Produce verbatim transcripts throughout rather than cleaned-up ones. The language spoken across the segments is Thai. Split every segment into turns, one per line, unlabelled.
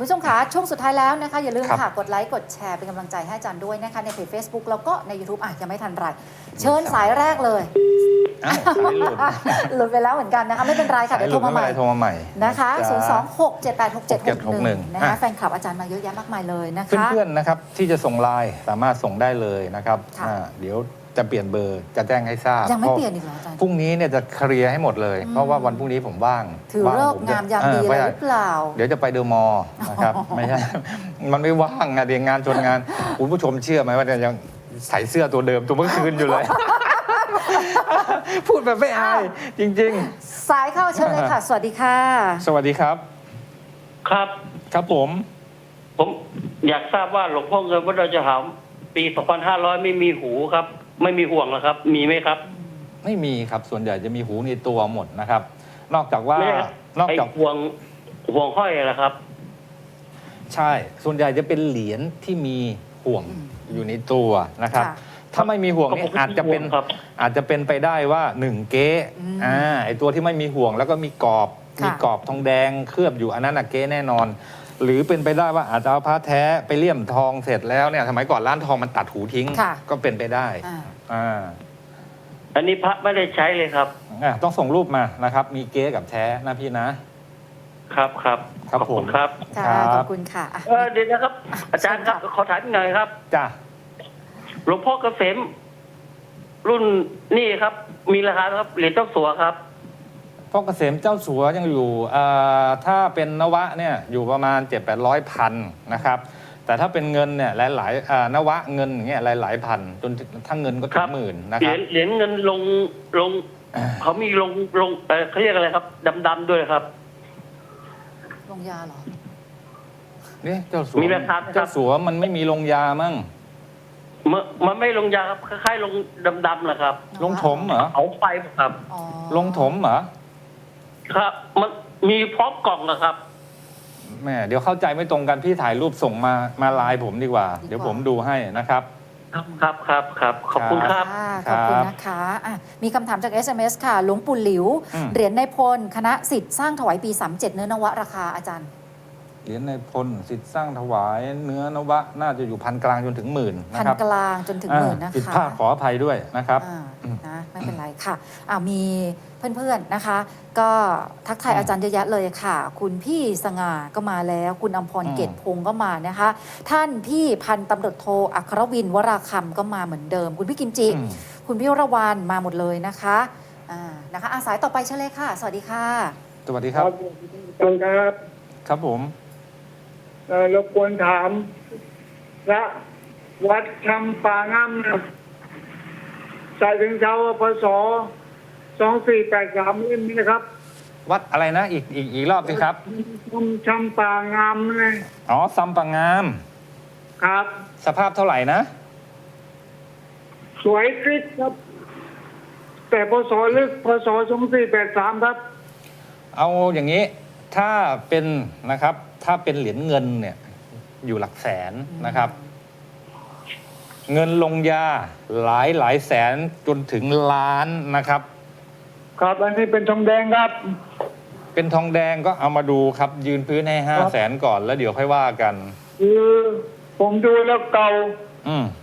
คุณผู้ชมคะช่วงสุดท้ายแล้วนะคะอย่าลืมค่ะกดไลค์กดแชร์เป็นกำลังใจให้อาจารย์ด้วยนะคะในเพจ Facebook แล้วก็ใน YouTube อ่ะยังไม่ทันไรเชิญสายแรกเลย
อ้าวสายหลุด
หลุดไปแล้วเหมือนกันนะคะไม่เป็นไรค่ะเดี๋ยวโทรมาใหม่
โทรมาใหม่
นะคะศูนย์ สอง หก เจ็ด แปด หก เจ็ด หก หนึ่ง
หก
นะคะแฟนคลับอาจารย์มาเยอะแยะมากมายเลยนะคะ
เพื่อนๆนะครับที่จะส่งไลน์สามารถส่งได้เลยนะครับเดี๋ยวจะเปลี่ยนเบอร์จะแจ้งให้ทราบ
ยังไม่เปลี่ยนอีกเหรออาจารย์
พรุ่งนี้เนี่ยจะเคลียร์ให้หมดเลยเพราะว่าวันพรุ่งนี้ผมว่าง
ถือเลิกงามยามดีเลยหรือเปล่า
เดี๋ยวจะไปเดอะมอลล์นะครับไม่ใช่มันไม่ว่างอะเดี๋ยวงานชนงานคุณผู้ชมเชื่อไหมว่ายังใส่เสื้อตัวเดิมตัวเมื่อคืนอยู่เลยพูดแบบไม่อายจริง
ๆสายเข้าเชิญเลยค่ะสวัสดีค่ะ
สวัสดีครับ
ครับ
ครับผม
ผมอยากทราบว่าหลวงพ่อเงินวัดดอยจะหามปีสองพันห้าร้อยไม่มีหูครับไม่มีห่วงนะครับมีไหมครับ
ไม่มีครับส่วนใหญ่จะมีหูในตัวหมดนะครับ นอกจากว่านอกจาก
ห่วงห่วงห้อยอะไรครับ
ใช่ส่วนใหญ่จะเป็นเหรียญที่มีห่วงอยู่ในตัวนะครับถ้าไม่มีห่วงนี่อาจจะเป็นอาจจะเป็นไปได้ว่าหนึ่งเก๊อ่าไอตัวที่ไม่มีห่วงแล้วก็มีกรอบมีกรอบทองแดงเคลือบอยู่อันนั้นอะเก๊แน่นอนหรือเป็นไปได้ว่าอาจจะเอาพระแท้ไปเลี่ยมทองเสร็จแล้วเนี่ยสมัยก่อนร้านทองมันตัดหูทิ้งก็เป็นไปได้อ่า
อันนี้พระไม่ได้ใช้เลยครับ
อ่าต้องส่งรูปมานะครับมีเก๊กับแท้นะพี่นะครับ
ครับ
ครับผม
ครับ
ขอบคุณค่ะ
เออเดี๋ยวนะครับอาจารย์ครับขอถามหน่อยครับ
จ้า
หลวงพ่อเกษมรุ่นนี่ครับมีราคาครับเหรียญเจ้าสัวครับ
พ่อเกษมเจ้าสัวยังอยู่ถ้าเป็นนวะเนี่ยอยู่ประมาณเจ็ดแปดร้อยพันนะครับแต่ถ้าเป็นเงินเนี่ยหลายๆนวะเงินอย่างเงี้ยหลายๆพันจนทั้งเงินก็ถึงหมื่นนะครับ
เหรียญเงินลงลงเขามีลงลงเขาเรียกอะไรครับดำๆด้วยครับ
ลงยาเหรอ
เนี่ยเจ้าสัวมีราคาเจ้าสัวมันไม่มีลงยามั่ง
มันไม่ลงยาครับคล้ายๆลงดำๆแหละครับ
ลงถมเหรอ
เอาไปครับ
ลงถมเหรอ
ครับมันมีพร้อมกล่องนะครับ
แม่เดี๋ยวเข้าใจไม่ตรงกันพี่ถ่ายรูปส่งมามาไลน์ผมดีกว่าเดี๋ยวผมดูให้นะครับ
ครับครับครับขอบคุณครับ
ขอบคุณนะคะมีคำถามจาก เอส เอ็ม เอส ค่ะหลวงปู่หลิวเหรียญในพลคณะสิทธิ์สร้างถวายปีสามเจ็ดเนื้อนวะราคาอาจารย์
เหรียญในพลสิทธิ์สร้างถวายเนื้อนวะน่าจะอยู่พันกลางจนถึงหมื่น
พันกลางจนถึงหมื่นนะคะ
ผิดพลาดขออภัยด้วยนะครับ
นะไม่เป็นไรค่ะมีเพื่อนๆนะคะก็ทักทายอาจารย์เยอะแยะเลยค่ะคุณพี่สง่าก็มาแล้วคุณอมพรเกตพงศ์ก็มานะคะท่านพี่พันตำรวจโทอัครวินวราคำก็มาเหมือนเดิมคุณพี่กิมจิคุณพี่ระวานมาหมดเลยนะคะนะคะอาสายต่อไปเชิญเลยค่ะสวัสดีค่ะ
สวัสดีครับ
ครับ
ครับผม
รบกวนถามพระวัดชำป่างามใส่ถึงเช้าพศสองสี่แปดสามเล่มนี้นะครับ
วัดอะไรนะอีกอีกอีกรอบสิครับ
ชำป่างามเลย
อ๋อซัมป่างาม
ครับ
สภาพเท่าไหร่นะ
สวยคลิกครับแต่พศลึกพศสองสี่แปดสามครับ
เอาอย่างนี้ถ้าเป็นนะครับถ้าเป็นเหรียญเงินเนี่ยอยู่หลักแสนนะครับเงินลงยาหลายหลายแสนจนถึงล้านนะครับ
ครับอันนี้เป็นทองแดงครับ
เป็นทองแดงก็เอามาดูครับยืนพื้นให้ห้าแสนก่อนแล้วเดี๋ยวค่อยว่ากัน
คือผมดูแล้วเก่า
อืม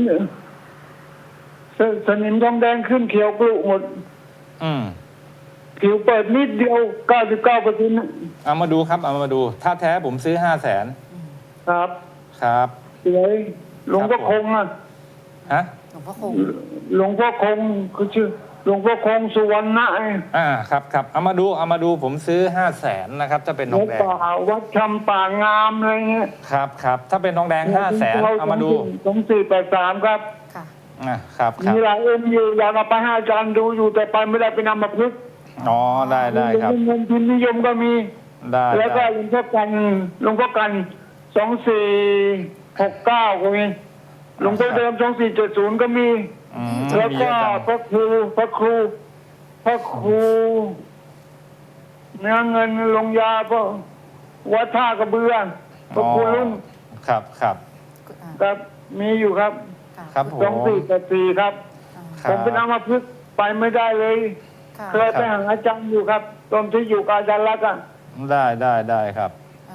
สนิมทองแดงขึ้นเขียวกลุหมด
อืม
ผิวเปิดนิดเดียว เก้าสิบเก้าเปอร์เซ็นต์
เอามาดูครับเอามาดูถ้าแท้ผมซื้อห้าแสน
ครับ
ครับ
สวยหลวงพ่อคงอ่ะ
ฮะ
หลวงพ่อคง
หลวงพ่อคงคือชื่อหลวงพ่อคงสุวรรณะ
อ่าครับครับเอามาดูเอามาดูผมซื้อห้าแสนนะครับถ้าเป็นทองแดง
วัดชำป่างามอะไรเงี้ย
ครับครับถ้าเป็นทองแดงห้าแสนเอามาดู
สองสี่แปดสามครับ
ค่ะ
อ่าครับ
มีหลายเอ็มอยู่อยากเอาไปให้อาจารย์ดูอยู่แต่ไปไม่ได้ไปนำมาพึก
อ๋อได้ได้ครับ
เงินพิมพ์นิยมก็มี
ได้
แล้วก็หลวงพ่อกันหลวงพ่อกันสองสี่หกเก้าก็มีหลวงพ่อเดิมสองสี่เจ็ดศูนย์ก็มีแล้วก็พระครูพระครูพระครูเนื้อเงินลงยาพระวัดท่ากระเบือพระครูลุ่ม
ครับครับ
ครับมีอยู่ครับ
ครับผม
สองสี่แปดสี่ครับผมเป็นอัมพฤกษ์ไปไม่ได้เลยเคยไปหาอาจารย์อยู่ครับตอนที่อยู่กับอาจารย์รักอ่ะ
ได้ได้ได้ครับ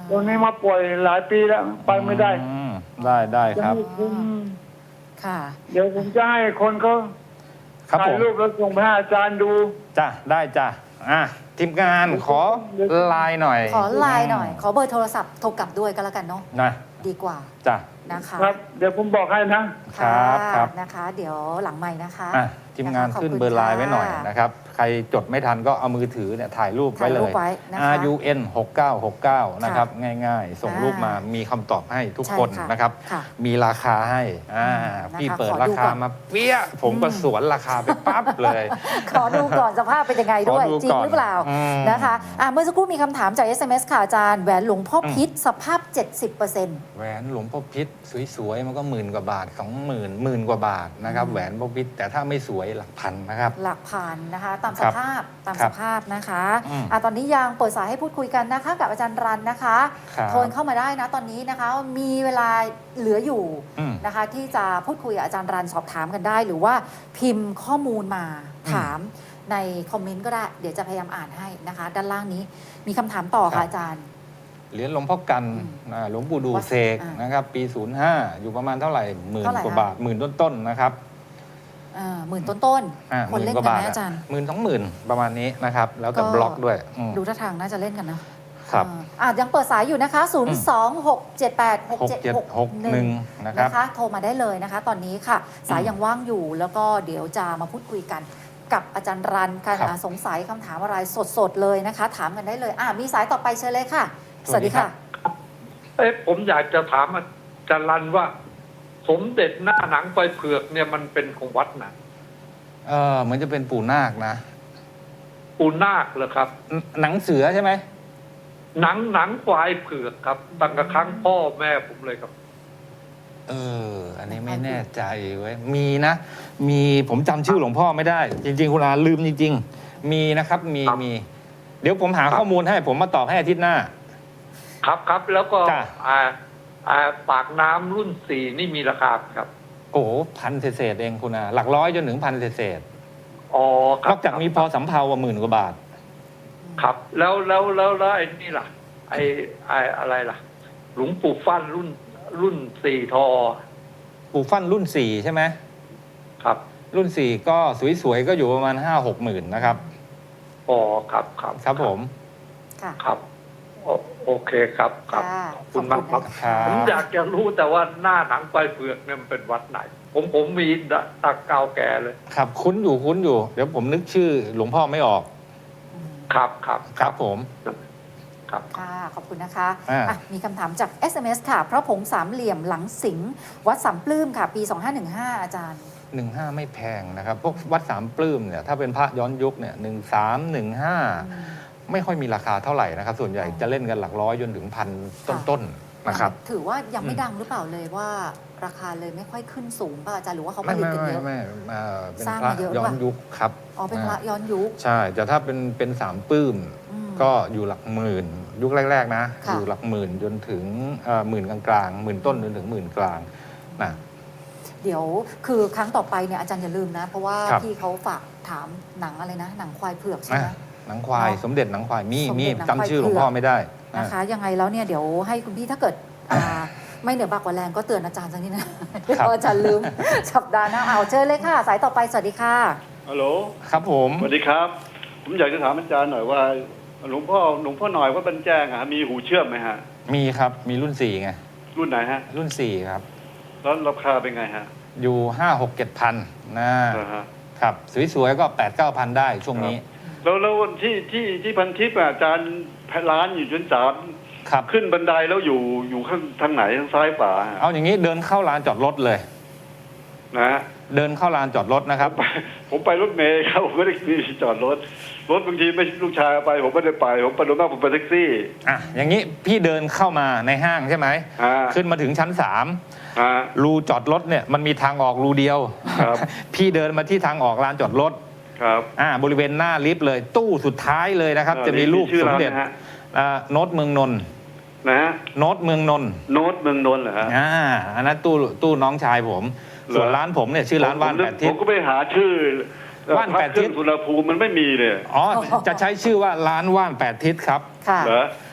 ตรงนี้มาป่วยหลายปีแล้วไปไม่ได้
อืมได้ได้ครับ
จะไม่คุ้ม
ค่ะ
เดี๋ยวผมจะให้คนเขา
ครับ
ถ่า
ผ
ย
ม
รูปแล้วส่งไปให้อาจารย์ดู
จ้ะได้จ้ะอ่ะทีมงานขอไลน์หน่อย
ขอไลน์หน่อย ขอเบอร์โทรศัพท์โทรกลับด้วยก็แล้วกันเนาะ
นะ
ดีกว่า
จ้ะ
นะคะ
ครับ เดี๋ยวผมบอกให้นะ
ครับ
ะ
ครับ
นะคะ เดี๋ยวหลังไม้นะคะ
อ่ะทีมงาน
นะคะ
ขึ้น
ขอบคุณ
เบอร์ไลน์
ค่ะ
ไว้หน่อยนะครับ ใครจดไม่ทันก็เอามือถือเนี่ยถ่ายรูปไว้เล
ถ่ายรู
ย
ปไว้นะคะ
อาร์ ยู เอ็น หกเก้าหกเก้า นะครับ ง่ายๆ ส่ง
อ่ารู
รูปมามีคำตอบให้ทุก
ใช่
คน
ค่ะ
นะครับ
ค่ะ
มีราคาให้อ่า
นะคะ
พี่เปิด
ขอ
รา
ดู
คา
ก่อน
มาเปี้ยผมก็สวนราคาไปปั๊บเลย
ขอดูก่อนสภาพเป็นยังไงด้วย
ขอดู
จริง
ก่อน
หรือเปล่า
อืม
นะคะอ่ะเมื่อสักครู่มีคำถามจาก เอส เอ็ม เอส ค่ะอาจารย์แหวนหลวงพ่อพิษสภาพ เจ็ดสิบเปอร์เซ็นต์
แหวนหลวงพ่อพิษสวยๆ มันก็หมื่นกว่าบาทสองหมื่นหมื่นกว่าบาทนะครับ
อืม
แหวนพ่อพิษแต่ถ้าไม่สวยหลักพันนะครับ
หลักพันนะคะ ตามส
ครับ
ภาพตาม
ครั
ส
บ
ภาพนะคะ
อืม
อ่ะตอนนี้ยังเปิดสายให้พูดคุยกันนะคะ กับอาจารย์รันนะคะ
ครับ
โทรเข้ามาได้นะตอนนี้นะคะ มีเวลาเหลืออยู่
อืม
นะคะ ที่จะพูดคุยกับอาจารย์รันสอบถามกันได้ หรือว่าพิมพ์ข้อมูลมาถามในคอมเมนต์ก็ได้ เดี๋ยวจะพยายามอ่านให้นะคะ ด้านล่างนี้มีคำถามต่อ
ครั
ค่ะ
บ
อาจารย์
เหรียญหลวงพ่อกัน
อืม
อ่าหลวงปู่ดู
วัด
เสก
อ่าน
นะครับ ปี ศูนย์ห้า อยู่ประมาณเท่าไหร่หมื่น
เท่าไหร่
กว่า
คะ
บาทหมื่นต้นๆนะครับ
อ่าหมื่นต้น
อ่า
ๆคนเล่น
หมื่
กัน
บา
ไห
ท
มอาจารย์
หมื่นสองหมื่นประมาณนี้นะครับ แล้วแต่
ก็
บล็อกด้วยอืม
ดูท่าทางน่าจะเล่นกันนะครับ อ่าอ่ะยังเปิดสายอยู่นะคะ ศูนย์ สอง หก เจ็ด แปด หก เจ็ด หก
หก
ห
หนึ่
นึ่ง
งนะครับ
นะคะ โทรมาได้เลยนะคะ ตอนนี้ค่ะ สายยังว่างอยู่ แล้วก็เดี๋ยวจะมาพูดคุยกันกับอาจารย์รันกัน
ครับ
อ่ะสงสัยคำถามอะไรสดๆเลยนะคะ ถามกันได้เลยอ่ะมีสายต่อไปเชิญเลยค่ะ ส
สวั
วัส
สดี
ดี
ครั
ค่ะ
บ
เอ๊ะผมอยากจะถามอาจารย์รันว่า สมเด็จหน้าหนังไฟเผือกเนี่ยมันเป็นของวัดไหนะ
เออเหมือนจะเป็นปู่นาคนะ
ปูนาคเหรอครับ
หนังเสือใช่ไหม
หนังหนังควายเผือกครับตั้งแต่ครั้งพ่อแม่ผมเลยครับ
เออ อันนี้ไม่แน่ใจเว้ย มีนะ มีผมจำชื่อหลวงพ่อไม่ได้ จริง ๆ คุณอาลืมจริง ๆ มีนะครับ มี
ครับ
มี เดี๋ยวผมหา
ครับ
ข้อมูลให้ผมมาตอบให้อาทิตย์หน้า
ครับครับแล้วก็
จ้ะ
อ่าอ่าปากน้ำรุ่นสี่นี่มีราคาไหมครับ
โอ้โหพันเศษๆเองคุณอาหลักร้อยจนถึงพันเศษ
อ๋อค
ๆน
รั
อบ กจากมีพอสำเภาว่าหมื่นกว่าบาท
ครับ แล้วแล้วแล้วแล้วไอ้นี่ล่ะ ไอ้ไอ้อะไรล่ะ หลวงปู่ฟั่นรุ่นรุ่นสี่ทอ
ปู่ฟั่นรุ่นสี่ใช่ไหม
ครับ
รุ่นสี่ก็สวยๆ ก็อยู่ประมาณห้าหกหมื่นนะครับ
อ๋อครับครับ
ครับผม
ค่ะ
ครับโอโอเคครับครับ
ค่ะ
ขอบคุณมากครับ
ขอบณนะ
ครั
ผม
บ
อยากจะรู้แต่ว่าหน้าหนังไฟเผือกเนี่ยมันเป็นวัดไหน ผมผมมีตักเก่าแก่เลย
ครับคุ้นอยู่คุ้นอยู่ เดี๋ยวผมนึกชื่อหลวงพ่อไม่ออก
อืม
ครับครับ
ครับผม
ครับ
ค่ะ ขอบคุณนะคะ
อ่า
อ่ะมีคำถามจาก เอส เอ็ม เอส ค่ะ พระผงสามเหลี่ยมหลังสิงห์วัดสามปลื้มค่ะ ปี สองห้าหนึ่งห้า อาจารย์
หนึ่งห้าไม่แพงนะครับ พวกวัดสามปลื้มเนี่ยถ้าเป็นพระย้อนยุคเนี่ยหนึ่งสามหนึ่งห้าไม่ค่อยมีราคาเท่าไหร่นะครับ ส่วนใหญ่
อ๋อ
จะเล่นกันหลักร้อยจนถึงพันต้นๆนะครับ
ถือว่ายังไม่
อืม
ดังหรือเปล่าเลยว่าราคาเลยไม่ค่อยขึ้นสูงป่ะอาจารย์หรือว่าเขาผ
ไม่
ลิต
ไม่
กัน
ไม่
เยอะ
ไม่เอ่อเป็น
สร้าง
พระ
มาเยอะ
ย้อน
หรือเปล่า
ยุคครับ
อ๋อเป็นพระย้อนยุค
ใช่แต่ถ้าเป็นเป็นสามปลื้ม
อืม
ก็อยู่หลักหมื่น ยุคแรก ๆ นะ
ค่ะ
อยู่หลักหมื่นจนถึงเอ่อหมื่นกลางๆหมื่นต้นจนถึงหมื่นกลางนะ
เดี๋ยวคือครั้งต่อไปเนี่ยอาจารย์อย่าลืมนะ เพราะว่า
ครับ
พี่เขาฝากถามหนังอะไรนะ หนังควายเผือกใช่ไหม
อ่ะหนังควาย
เนาะ
สมเด็จหนังควายมี
สม
มี
เด็จหนังควาย
จำชื่อหลวง
เผือก
พ่อไม่ได้
นะคะ
อ่ะ
ยังไงแล้วเนี่ยเดี๋ยวให้คุณพี่ถ้าเกิดอ่าไม่เหนือบากกว่าแรงก็เตือนอาจารย์สักนิดนะเดี๋ยวอาจารย์ลืมสัปดาห์หน้าเอาเชิญเลยค่ะ สายต่อไปสวัสดีค่ะ
ฮัลโหล
ครับผม
สวัสดีครับ ผมอยากจะถามอาจารย์หน่อยว่า หลวงพ่อหลวงพ่อหน่อยว่าบรรแจ้งอะมีหูเชื่อมไหมฮะ
มีครับมีรุ่นสี่ไง
รุ่นไหนฮะ
รุ่นสี่ครับ
แล้วราคาเป็นไงฮะ
อยู่ห้าหกเจ็ดพันนะ
เหรอฮะ
ครับสวยๆก็แปดเก้าพันได้ช่วงนี้
แล้วแล้วที่ที่ที่พันทิพย์อะอาจารย์ร้านอยู่ชั้นสาม
ครับ
ขึ้นบันไดแล้วอยู่อยู่ข้างทางไหนทางซ้ายขวาฮะ
เอาอย่างนี้เดินเข้าลานจอดรถเลย
นะฮะ
เดินเข้าลานจอดรถนะครับ
ไปผมไปรถเมล์ครับผมไม่ได้มีจอดรถรถบางทีไม่ลูกชายเอาไป ผมไม่ได้ไปผมไปโดนมากผมไปแท็กซี่
อ่ะอย่างนี้พี่เดินเข้ามาในห้างใช่ไหม
อ่า
ขึ้นมาถึงชั้นสาม
อ่า
รูจอดรถเนี่ยมันมีทางออกรูเดียว
ครับ
พี่เดินมาที่ทางออกลานจอดรถ
ครับ
อ่าบริเวณหน้าลิฟต์เลยตู้สุดท้ายเลยนะครับ
เอ่อ
จะมีรูป
ชื่อ
สม
ร้าน
เด็จ
นะฮะ
อ่าโน้ตเมืองนนท์
นะฮะ
โน้ตเมืองนนท์
โน้ตเมืองนนท์เหรอฮะ
อ่าอันนั้นตู้ตู้น้องชายผม
เหรอ
ส่วนร้านผมเนี่ยชื่อร้านว่าน
ผม
แปดทิ
ผ
ศ
มก็ไปหาชื่อ
ว่านแปดทิศ
เครื่องสุรภูมิมันไม่มีเลย
อ๋อจะใช้ชื่อว่าร้านว่านแปดทิศครับ
ค่ะ
เหรอ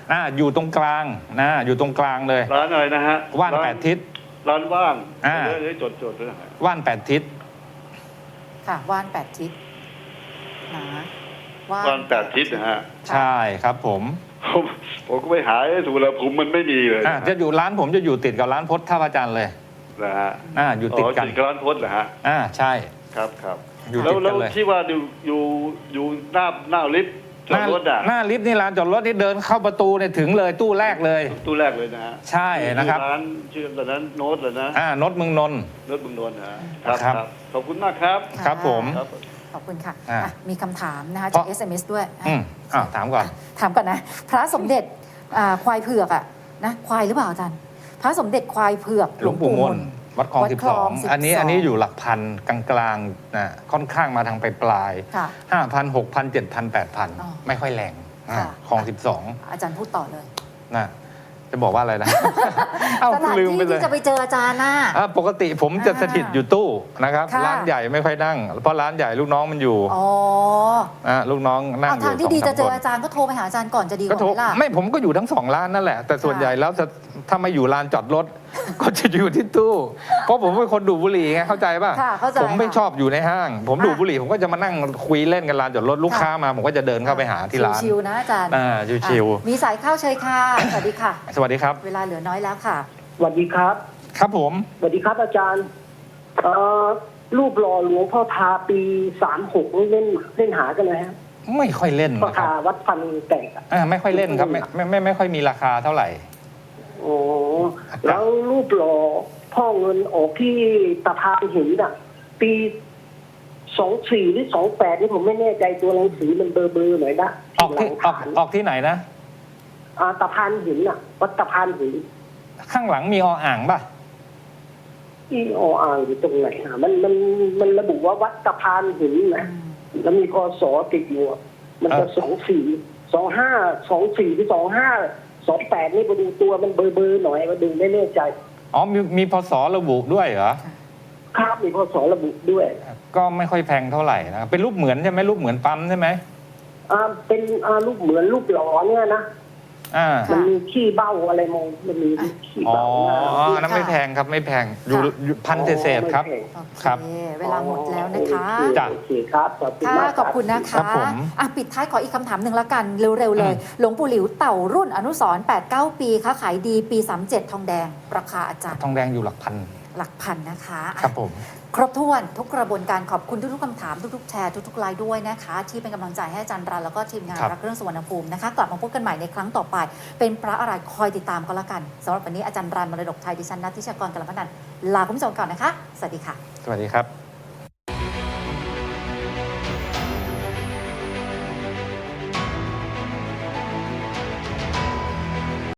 อ่าอยู่ตรงกลางนะอยู่ตรงกลางเลย
ร้านอะไรนะฮะ
ว่าน
ร้
แปดทิศ
ร้านว่าง
อ่า
เดี๋ยวเดี๋ยวจดจดด้วยนะฮะ
ว่านแปดทิศ
ค่ะว่านแปดทิศนะว่าน
ว่านแปดทิศนะฮะ
ใช่ครับผม
ผมผมก็ไปหาไอ้สุวรรณภูมิมันไม่มีเลย
อ่าจะอยู่ร้านผมจะอยู่ติดกับร้านพจน์ท่าพระจันทร์เลย
นะฮะ
อ่าอยู่ติดกัน
ติดกับร้านพจน์เหรอฮะ
อ่าใช่
ครับครับ
อยู่
แล้ว
ติด
แล้
กั
วน
เลย
ที่ว่าอยู่อยู่อยู่หน้าหน้าลิฟต์จอดรถอ่ะ
หน้าลิฟต์นี่ร้านจอดรถนี่เดินเข้าประตูเนี่ยถึงเลยตู้แรกเลย
ตู้แรกเลยนะฮะ
ใช่นะครับ
ร้านชื่อตอนนั้นโน้ตเลยนะ
อ่านดเมืองนนท์
โน้ตบึงนนท์นะฮะครับ
ครับ
ครับขอบคุณมากครับ
ะ
ครับผม
ครับ
ขอบคุณค่ะ
อ่ะ
อ่ะมีคำถามนะคะ
เพ
จาก
ราะ
เอส เอ็ม เอส ด้วยอ่ะ
อืมอ่าถามก่อน
ถามก่อนนะ พระสมเด็จอ่าควายเผือกอะนะควายหรือเปล่าอาจารย์ พระสมเด็จควายเผือก
หลวงปู่มนวัดคลอง
วัด
สิบ
คล
ส
อ
อง ง
สิบสอง
อันนี้อันนี้อยู่หลักพันกลางๆนะค่อนข้างมาทางไปปลาย
ค่ะ
ห้าพันหกพันเจ็ดพันแปดพัน
อ๋อ
ไม่ค่อยแรงอ่า
ค่ะ
คลองสิบสอง
อาจารย์พูดต่อเลย
นะจะบอกว่าอะไรนะ เอ้า
สถาน
ลืมไป
ที่
เลย
ที่จะไปเจออาจารย์น่ะ
อ่ะปกติผมจะ
อ่า
สถิตอยู่ตู้นะครับ
ค่ะ
ร้านใหญ่ไม่ค่อยนั่ง เพราะร้านใหญ่ลูกน้องมันอยู่
อ๋อ
อ่ะลูกน้องนั่ง
เอา
อ
ทาง
ยู่
ที่ดี
ส
จะ
อง
เจ
สาม
อ
คน
อาจารย์ก็โทรไปหาอาจารย์ก่อนจะดีก
ก็
ว่า
โทร
ไหมล่ะ
ไม่ผมก็อยู่ทั้งสองร้านนั่นแหละ แต่ส่วน
ค่ะ
ใหญ่แล้วจะถ้ามาอยู่ร้านจอดรถ ก็จะอยู่ที่ตู้ เพราะผมเป็นคนดูดบุหรี่ไงเข้าใจป่ะ
ค่ะเข้าใจ
ผมไม่
ค่ะ
ชอบอยู่ในห้าง ผม
ค่ะ
ดูดบุหรี่ผมก็จะมานั่งคุยเล่นกันร้านจอดรถลูก
ค่ะ
ค้ามา ผมก็จะเดินเข้าไปหาที่ร้าน
ชิวๆนะอาจารย์
อ่าชิว
อ่ะมีสายเข้าเชยค่ะ สวัสดีค่ะ
ๆสวัสดีครับ
เวลาเหลือน้อยแล้วค่ะ
สวัสดีครับ
ครับผม
สวัสดีครับอาจารย์เอ่อรูปหล่อหลวงพ่อทาปีสามหกนี่เล่นเล่นหากันนะฮะ
ไม่ค่อยเล่น
พ่อ
นะครั
ทา
บ
วัดฟันแตกอะ
อ่าไม่ค่อยเล่นครับไม่ไม่ไม่ไม่ค่อยมีราคาเท่าไหร่
โอ้แล้วรูปหล่อพ่อเงินออกที่ตะพานหินอ่ะ ปีสองสี่หรือสองแปดนี่ผมไม่แน่ใจตัวหนังสือมันเบอร์เบอร์หน่อยนะ
ออกที่
หลัง
ออก
ฐาน
ออกที่ไหนนะ
อ่าตะพานหินอ่ะ วัดตะพานหิน
ข้างหลังมีออ่างป่ะ
ที่ออ่างอยู่ตรงไหนอ่ะมันมันมันระบุว่าวัดตะพานหินนะแล้วมีพศติดอยู่อะมันจะ
เออ
สองสี่สองห้าสองสี่หรือสองห้าสองแปดนี่มาดูตัวมันเบอร์เบอร์หน่อยมาดูไม่แน่ใจ
อ๋อมีมีพศระบุด้วยเหรอ
ครับมีพศระบุด้วย
ก็ไม่ค่อยแพงเท่าไหร่นะเป็นรูปเหมือนใช่ไหมรูปเหมือนปั๊มใช่ไหม
อ่าเป็นอ่ารูปเหมือนรูปหล่อเนี่ยนะ
อ่า
มันมีขี้เบ้าอะไรมองมันมีขี้
อ๋อ
เบ้าหน้า
อันนั้นไม่แพงครับไม่แพงอยู่อยู่พันเศษๆครับ
ไม่แพง
โอเค
ครับ
เวลาหมดแล้วนะคะ
จ้ะ
โอเคครับขอบคุณ
ค่ะ
มาก
ขอบคุณนะ
ครั
คะ
บผม
อ่ะปิดท้ายขออีกคำถามหนึ่งละกัน เร็ว ๆ เลย
อืม
หลวงปู่หลิวเต่ารุ่นอนุสรณ์แปดเก้า ปีค้าขายดีปีสามเจ็ดทองแดง ราคาอาจารย์
ทองแดงอยู่หลักพัน
หลักพันนะคะอ่ะ
ครับผม
ครบถ้วนทุกกระบวนการขอบคุณทุกๆคำถามทุกๆแชร์ทุกๆไลน์ด้วยนะคะ ที่เป็นกำลังใจให้อาจารย์รันแล้วก็ทีมงาน
ครับ
รักเรื่องสุวรรณภูมินะคะ กลับมาพบกันใหม่ในครั้งต่อไป เป็นพระอะไรคอยติดตามก็แล้วกันสำหรับวันนี้อาจารย์รันมรดกไทยดิฉันนัทธิชากรกัลปนันท์ลาคุณผู้ชมก่อนนะคะ สวัสดีค่ะ
สวัสดีครับ